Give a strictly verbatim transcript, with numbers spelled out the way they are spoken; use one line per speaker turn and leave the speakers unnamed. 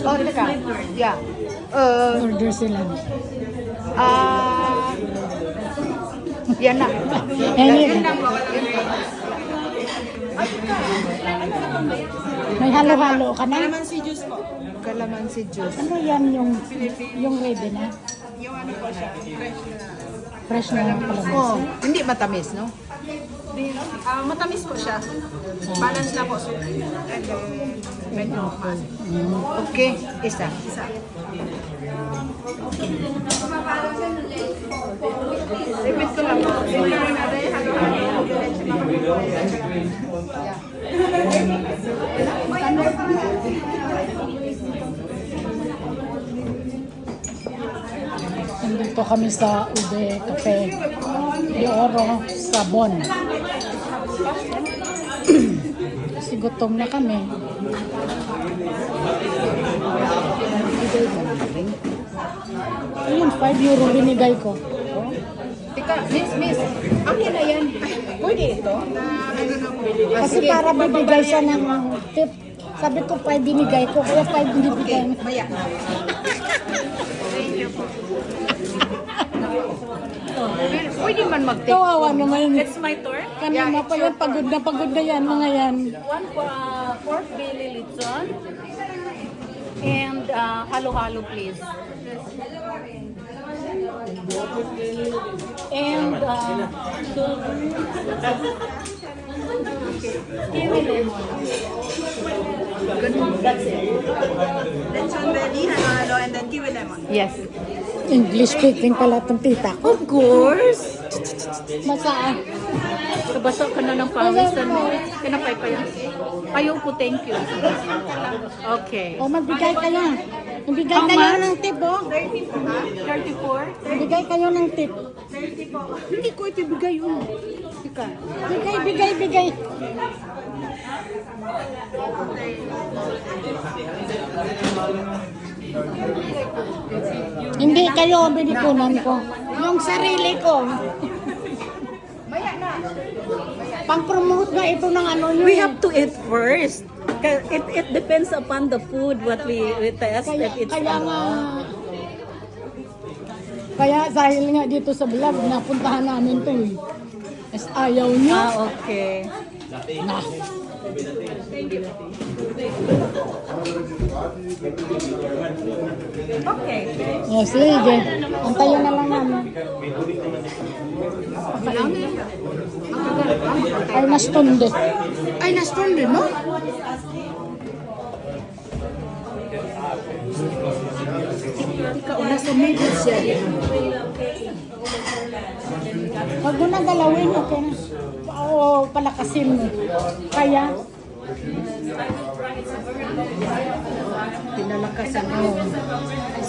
Oh, teka. Yeah. Uh,
Order sila.
ah, yan na.
Yan
Yan
yun.
na.
May halo-halo ka na?
Calamansi juice po. Calamansi juice.
Ano yan yung yung ready na?
Yung ano po siya, fresh na.
Fresh na yung kalamansi.
Oh, hindi matamis, no?
Ah, matamis po siya. Balance na po. So, and then, medyo mas.
Okay, isa.
Isa.
Repeat ko lang.
Nandito kami sa Ude Cafe de Oro, Sabon. Kasi gutom na kami. Ayun, five euro binigay ko.
Tika, miss, miss. Akin na yan. Pwede ito?
Kasi para bibigay siya ng tip. Sabi ko five binigay ko, kaya five binibigay.
Maya. Pwede man mag-take.
Kawawa naman.
It's my turn.
Kanina pa yan, pagod na pagod na yan, mga yan.
One uh, pork belly lechon. And uh, halo-halo please. And uh, kiwi lemon. That's it.
Lechon belly, halo-halo, and then kiwi lemon.
Yes.
English speaking pala itong tita ko.
Of course.
Masaan?
Kabasa ka na ng pawisan mo. Kinapay pa yan. Ayaw po, thank you. Okay.
O magbigay kayo. Magbigay
How
kayo
much?
ng tip, oh.
thirty-four.
Magbigay kayo ng tip.
Hindi ko ito bigay yun. Tika.
Bigay, bigay, bigay. Hindi kayo, binikunan ko. Yung sarili ko. Pang-promote na ito ng ano yun.
We have to eat first. Ka- It it depends upon the food what we, we test.
Kaya,
If it's
kaya nga, kaya dahil nga dito sa vlog, napuntahan namin to eh. As ayaw nyo.
Ah, okay.
Na.
Okay.
O sige, antayin na lang namin. Ay, nastunde.
Ay, na-stone din, no? Ika, nasa middle siya.
Huwag mo na galawin, okay na. Oo, palakasin mo. Kaya,
Pinalakasan mo.